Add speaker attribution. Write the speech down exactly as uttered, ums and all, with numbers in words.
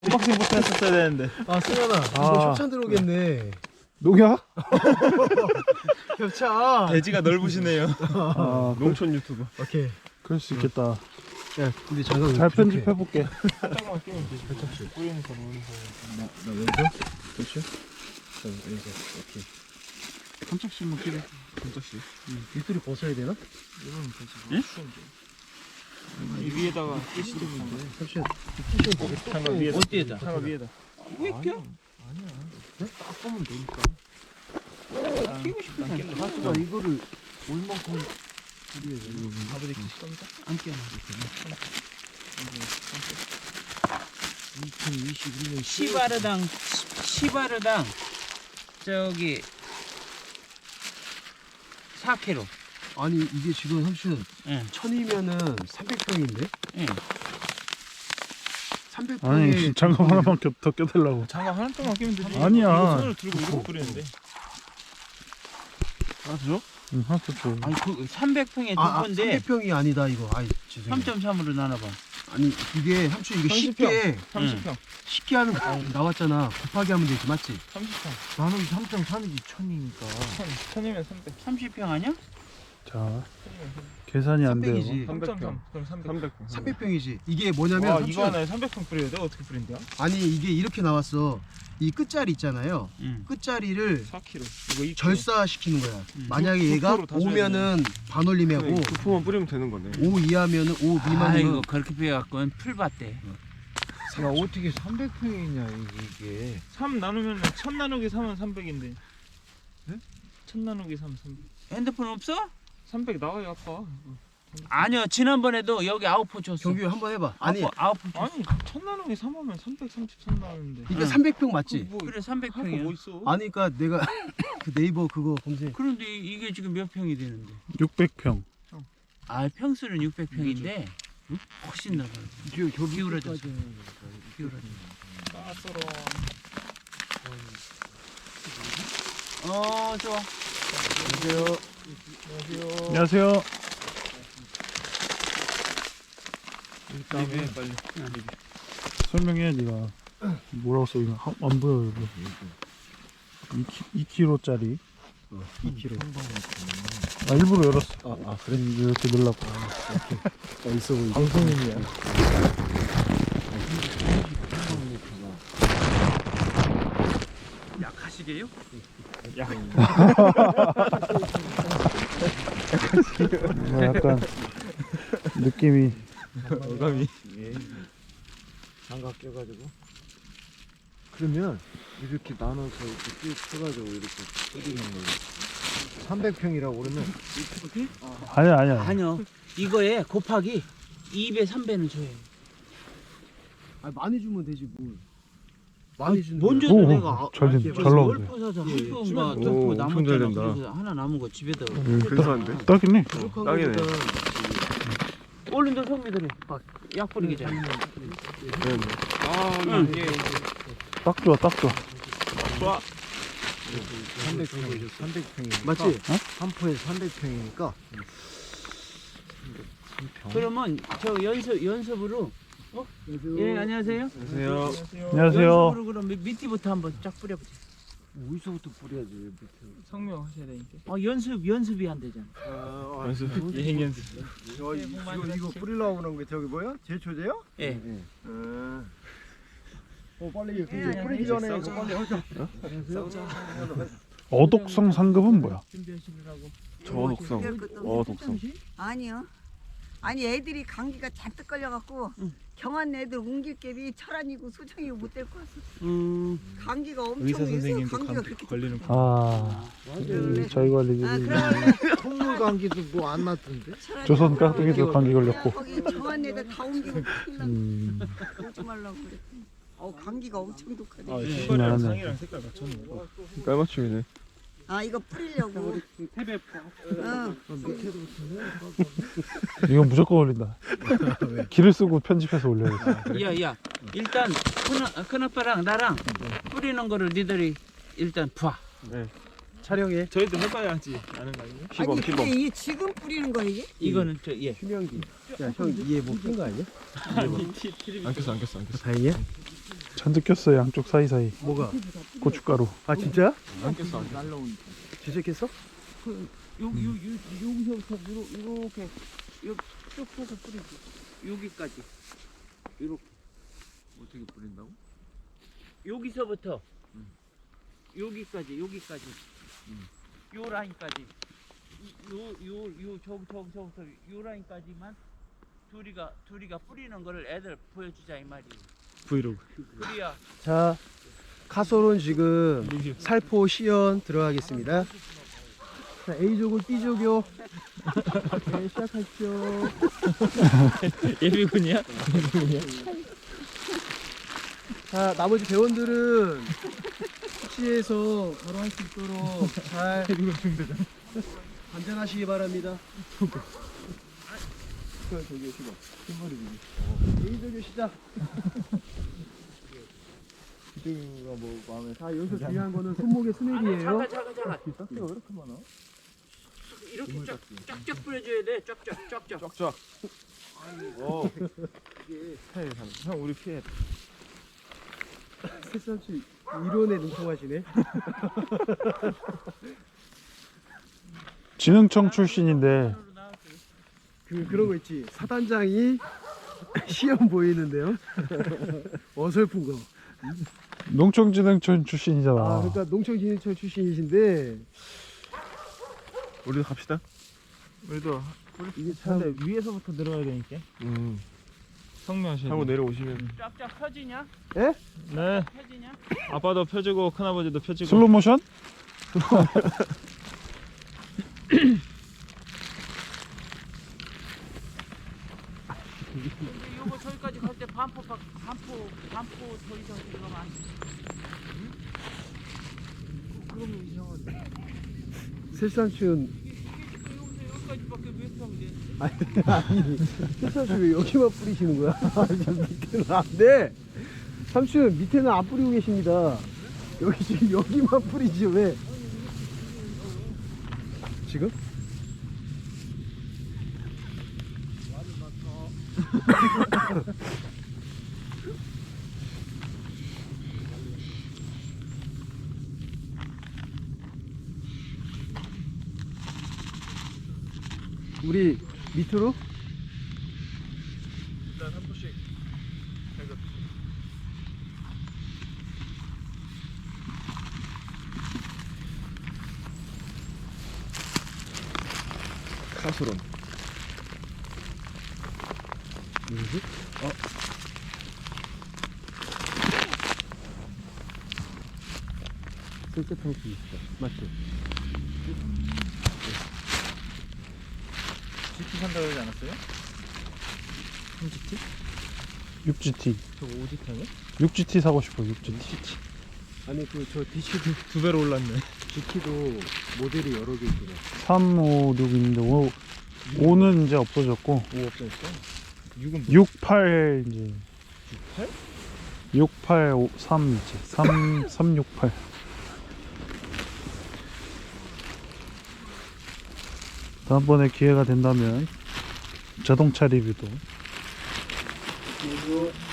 Speaker 1: 언박싱부터 했었어야 되는데.
Speaker 2: 아 승현아
Speaker 3: 아.
Speaker 2: 이거 협찬 들어오겠네.
Speaker 3: 녹약?
Speaker 2: 협찬.
Speaker 1: 돼지가 넓으시네요.
Speaker 3: 아,
Speaker 1: 농촌 유튜브.
Speaker 2: 오케이.
Speaker 3: 그럴 수 있겠다.
Speaker 2: 야 근데 잠깐
Speaker 3: 잘 편집해볼게.
Speaker 1: 살짝만 끼면 되지. 살짝씩. 뿌리는 거 넣는 거.
Speaker 2: 나 왼쪽? 그렇죠? 자 왼쪽. 오케이.
Speaker 1: 깜짝씩만 끼래. 깜짝씩.
Speaker 2: 밑으로 벗어야 되나?
Speaker 1: 이러면 되지. 예? 이 위에다가 끼시 되면 돼.
Speaker 2: 협찬.
Speaker 1: 장갑 위에다.
Speaker 4: 어디에다?
Speaker 1: 장갑 위에다.
Speaker 4: 왜 껴?
Speaker 2: 딱 보면 되니까.
Speaker 4: 끼고 싶으면 안 껴.
Speaker 2: 가수가 이거를 얼만큼
Speaker 1: 아버지 끼실 겁니까?
Speaker 4: 안 껴.
Speaker 2: 이천이십일 년
Speaker 4: 시바르당 시바르당 저기 사 킬로그램.
Speaker 2: 아니 이게 지금 삼촌
Speaker 4: 예.
Speaker 2: 천이면은 삼백 평인데?
Speaker 4: 예.
Speaker 2: 삼백
Speaker 3: 아니
Speaker 2: 평에
Speaker 3: 장갑 하나만 껴, 더 껴달라고.
Speaker 1: 장갑 하나 동안 끼면 되지.
Speaker 3: 아니야.
Speaker 1: 이거 손을 들고 이러고 뿌리는데.
Speaker 2: 아 줘?
Speaker 3: 응, 하나 더 줘.
Speaker 4: 아니 그 삼백 평에 두
Speaker 2: 아, 아
Speaker 4: 건데
Speaker 2: 삼백 평이 아니다 이거. 아이 죄송해요.
Speaker 4: 삼 점 삼으로 나눠봐.
Speaker 2: 아니 이게 삼촌 이거
Speaker 1: 삼십 평.
Speaker 2: 쉽게
Speaker 1: 삼십 평.
Speaker 2: 쉽게 하는 거 나왔잖아. 곱하기 하면 되지 맞지?
Speaker 1: 삼십 평.
Speaker 2: 나는 삼 점 삼이지 천이니까.
Speaker 1: 천. 천이면 삼백.
Speaker 4: 삼십 평 아니야?
Speaker 3: 자, 계산이 안 돼요.
Speaker 2: 삼백이지.
Speaker 1: 삼 점 삼. 그럼 삼백. 평.
Speaker 2: 삼백 평이지. 이게 뭐냐면
Speaker 1: 와,
Speaker 2: 삼촌,
Speaker 1: 이거 하나에 삼백 평 뿌려야 돼? 어떻게 뿌린대요?
Speaker 2: 아니 이게 이렇게 나왔어. 이 끝자리 있잖아요.
Speaker 4: 응.
Speaker 2: 끝자리를
Speaker 1: 사 킬로그램. 이거 이 킬로그램.
Speaker 2: 절사시키는 거야.
Speaker 4: 음.
Speaker 2: 만약에
Speaker 1: 구-
Speaker 2: 얘가
Speaker 1: 구표로 다 줘야
Speaker 2: 오면은 반올림하고
Speaker 5: 부품만 뿌리면 되는 거네.
Speaker 2: 오 이하면은 오
Speaker 4: 아
Speaker 2: 미만이면
Speaker 4: 이거 그렇게 빼갖고는 풀밭대.
Speaker 5: 야 어떻게 삼백 평이냐 이게.
Speaker 1: 삼 나누면 천 나누기 삼은 삼백인데. 네? 천 나누기 삼 삼백.
Speaker 4: 핸드폰 없어?
Speaker 1: 삼백 나와요 아까.
Speaker 4: 아니요 지난번에도 여기 아웃포 줬어.
Speaker 2: 경규 한번 해봐. 아니
Speaker 4: 아웃포, 아웃포 줬어.
Speaker 1: 아니 천 나누기 삼 하면 삼백삼십삼 나오는데.
Speaker 2: 이게
Speaker 4: 응.
Speaker 2: 삼백 평 맞지?
Speaker 1: 뭐
Speaker 4: 그래 삼백
Speaker 1: 할거
Speaker 4: 평이야.
Speaker 1: 뭐 있어?
Speaker 2: 아니 그러니까 내가 그 네이버 그거 검색.
Speaker 4: 그런데 이- 이게 지금 몇 평이 되는데?
Speaker 3: 육백 평.
Speaker 4: 아 평수는 육백 평인데 훨씬 더 기울어졌어. 기울어졌어.
Speaker 1: 까서로.
Speaker 4: 어 좋아.
Speaker 2: 안녕하세요.
Speaker 1: 안녕하세요.
Speaker 3: 안녕하세요.
Speaker 1: 리뷰해 빨리.
Speaker 3: 설명해 네가. 뭐라고 써 이거 하- 안 보여 이거. 이 킬로그램짜리.
Speaker 2: 이 킬로그램.
Speaker 3: 아 일부러 열었어.
Speaker 2: 아, 아 그래?
Speaker 3: 이렇게 넣으려고.
Speaker 2: 아, 있어 보이게.
Speaker 3: 방송인이야.
Speaker 4: 약하시게요?
Speaker 3: 뭔가 약간 느낌이.
Speaker 1: 어감이.
Speaker 5: 장갑 껴가지고. 그러면 이렇게 나눠서 이렇게 쭉 쳐가지고 이렇게 뿌리는 거예요. 삼백 평이라고 그러면
Speaker 3: 아니야 아니야.
Speaker 4: 아니요. 이거에 곱하기 이 배, 삼 배는 줘요.
Speaker 2: 아 많이 주면 되지 뭘. 많이 주는
Speaker 4: 먼저
Speaker 2: 거야.
Speaker 3: 오,
Speaker 4: 내가 아-
Speaker 3: 잘 된-
Speaker 4: 그래서
Speaker 3: 잘 나오네.
Speaker 4: 열 포 사서
Speaker 2: 예,
Speaker 4: 한
Speaker 2: 예.
Speaker 4: 포인가
Speaker 2: 오,
Speaker 4: 두포
Speaker 5: 엄청 잘
Speaker 4: 남았잖아.
Speaker 5: 된다.
Speaker 4: 그래서 하나 남은 거 집에다.
Speaker 5: 근사한데?
Speaker 3: 딱이네.
Speaker 2: 부족한
Speaker 5: 딱이네.
Speaker 2: 거니까.
Speaker 4: 얼른 더 성미들이 약 뿌리기 전에.
Speaker 5: 네.
Speaker 1: 아,
Speaker 4: 응.
Speaker 1: 예.
Speaker 3: 딱 좋아 딱 좋아.
Speaker 1: 좋아.
Speaker 5: 삼백 평이죠. 삼백 평이니까.
Speaker 2: 맞지?
Speaker 5: 한 포에 삼백 평이니까.
Speaker 4: 그러면 저 연습 연습으로. 어? 예 안녕하세요.
Speaker 5: 안녕하세요.
Speaker 3: 안녕하세요.
Speaker 4: 연습으로 그럼 밑- 밑뒤부터 한번 쫙 뿌려보자.
Speaker 5: 어디서부터 뿌려야지 밑에.
Speaker 1: 성명 하셔야 되니까.
Speaker 4: 어 연습 연습이 안 되잖아.
Speaker 5: 아,
Speaker 1: 연습. 예행 연습.
Speaker 5: 저 이- 이거 이거 뿌리려고 그런 게 저기 뭐야? 제초제요?
Speaker 4: 예.
Speaker 5: 네.
Speaker 2: 아.
Speaker 5: 어 빨리 이거
Speaker 4: 예,
Speaker 5: 뿌리기 전에 이거 빨리 하자.
Speaker 3: 어독성 상급은 뭐야?
Speaker 4: 준비하시느라고.
Speaker 5: 저독성. 어 독성.
Speaker 6: 아니요. 아니 애들이 감기가 잔뜩 걸려갖고
Speaker 4: 응.
Speaker 6: 경한 애들 옮길 갭이 철안이고 소정이고 못 데리고 왔어.
Speaker 4: 음.
Speaker 6: 감기가 엄청
Speaker 1: 의사
Speaker 6: 있어.
Speaker 1: 선생님도
Speaker 6: 감기가
Speaker 1: 감
Speaker 6: 그렇게
Speaker 1: 걸리는 거.
Speaker 3: 아 이 자기 관리.
Speaker 6: 아, 그래.
Speaker 5: 콧물 감기도 뭐 안 났던데?
Speaker 6: 철안이
Speaker 3: 조선 깍두기도 감기 걸렸고.
Speaker 6: 거기 경한 애들 다 옮기고 큰일 나.
Speaker 3: 음.
Speaker 6: 오지 말라고 그랬더니. 어 감기가 엄청 독하네.
Speaker 1: 아,
Speaker 4: 예.
Speaker 1: 신발이랑
Speaker 3: 신기하네.
Speaker 1: 상이랑 색깔 맞췄네.
Speaker 5: 깔맞춤이네.
Speaker 6: 아 이거 뿌리려고. 응.
Speaker 3: 이건 무조건 올린다. 기를 쓰고 편집해서 올려야지.
Speaker 4: 야야 일단 큰, 큰 아빠랑 나랑 뿌리는 거를 니들이 일단 봐.
Speaker 2: 촬영해.
Speaker 1: 저희도 해봐야지 아는 거 아니에요?
Speaker 5: 시범
Speaker 6: 아니 근데
Speaker 5: 시범.
Speaker 6: 이게 지금 뿌리는 거야 이게?
Speaker 4: 이거는 저 예.
Speaker 2: 휴명기. 야형 이해 못푼거 아니야?
Speaker 1: 아니 티 티비.
Speaker 5: 안 꼈어 안 꼈어 안 꼈어.
Speaker 2: 다행이야?
Speaker 3: 잔뜩 꼈어요. 양쪽 사이사이.
Speaker 2: 뭐가?
Speaker 3: 고춧가루.
Speaker 2: 아 진짜?
Speaker 1: 안 꼈어 안 꼈어.
Speaker 2: 진짜 깼어?
Speaker 4: 그 여기 요, 요, 여기서부터 요러, 요렇게 요, 쭉 펴서 뿌리지. 여기까지. 요렇게.
Speaker 1: 어떻게 뿌린다고?
Speaker 4: 여기서부터 여기까지 여기까지 요 라인까지 요요요 저기 저기 저기서 요 라인까지만 둘이가 둘이가 뿌리는 거를 애들 보여주자 이 말이에요.
Speaker 2: 브이로그.
Speaker 4: 그래야
Speaker 2: 자, 카솔은 지금 살포 시연 들어가겠습니다. 자, A족은 B족이요. 네, 시작하시죠.
Speaker 1: 예비군이야?
Speaker 2: 자, 나머지 배원들은 숙지에서 바로 할 수 있도록 잘 관전하시기 바랍니다. 저기 시작. A족의 시작.
Speaker 1: 기둥이가 뭐 마음에
Speaker 2: 자, 여기서 중요한 거는 손목의 스냅이에요.
Speaker 4: 잠깐 잠깐 잠깐
Speaker 1: 싹지가 왜 이렇게 많아?
Speaker 4: 이렇게 쫙 쫙쫙 뿌려줘야 돼. 쫙쫙 쫙쫙.
Speaker 1: 쫙쫙. 오. 피해 형 우리 피해.
Speaker 2: 새삼씨 이론에 능통하시네.
Speaker 3: 진흥청 출신인데
Speaker 2: 그 그런 거 있지. 사단장이 시험 보이는데요. 어설픈 거.
Speaker 3: 농촌진흥청 출신이잖아.
Speaker 2: 아, 그러니까 농촌진흥청 출신이신데
Speaker 1: 우리도 갑시다. 우리도
Speaker 2: 이게 참
Speaker 1: 근데 위에서부터 들어야 되니까.
Speaker 5: 음.
Speaker 1: 성명하시.
Speaker 5: 하고 내려오시면
Speaker 4: 쫙쫙 펴지냐?
Speaker 2: 예?
Speaker 1: 네.
Speaker 4: 펴지냐?
Speaker 1: 아빠도 펴주고 큰아버지도 펴주고.
Speaker 3: 슬로 모션?
Speaker 4: 근데 요거 저기까지 갈 때 반포 박- 반포 반포 더 이상 들어가면 안 돼. 그러면 이상한데.
Speaker 2: 새삼씨는
Speaker 4: 이게 지금 여기서 여기까지밖에 왜 펴면 돼?
Speaker 2: 아니 아니 새삼씨 왜 여기만 뿌리시는 거야? 저 밑에는 안 돼. 삼촌 밑에는 안 뿌리고 계십니다. 여기 지금 여기만 뿌리지 왜? 지금? 우리 밑으로?
Speaker 1: 일단 한 포씩.
Speaker 5: 카솔은
Speaker 2: 뭐지? 어? 쓸데없는 수 있어. 맞죠?
Speaker 1: 지키 산다고 하지 않았어요? 삼지티?
Speaker 3: 육 지 티.
Speaker 1: 저거 오지타네?
Speaker 3: 육 지 티 사고 싶어. 육 지 티.
Speaker 2: 아니 그 저 디씨도
Speaker 1: 두 배로 올랐네.
Speaker 2: 지키도 모델이 여러 개 있더라.
Speaker 3: 삼, 오, 육 있는데 오, 오는 이제 없어졌고
Speaker 1: 오 없어졌어? 육은 뭐?
Speaker 3: 육, 팔 이제 육, 팔, 오, 삼 이제 삼, 삼, 육, 팔. 다음번에 기회가 된다면 자동차 리뷰도
Speaker 2: 그리고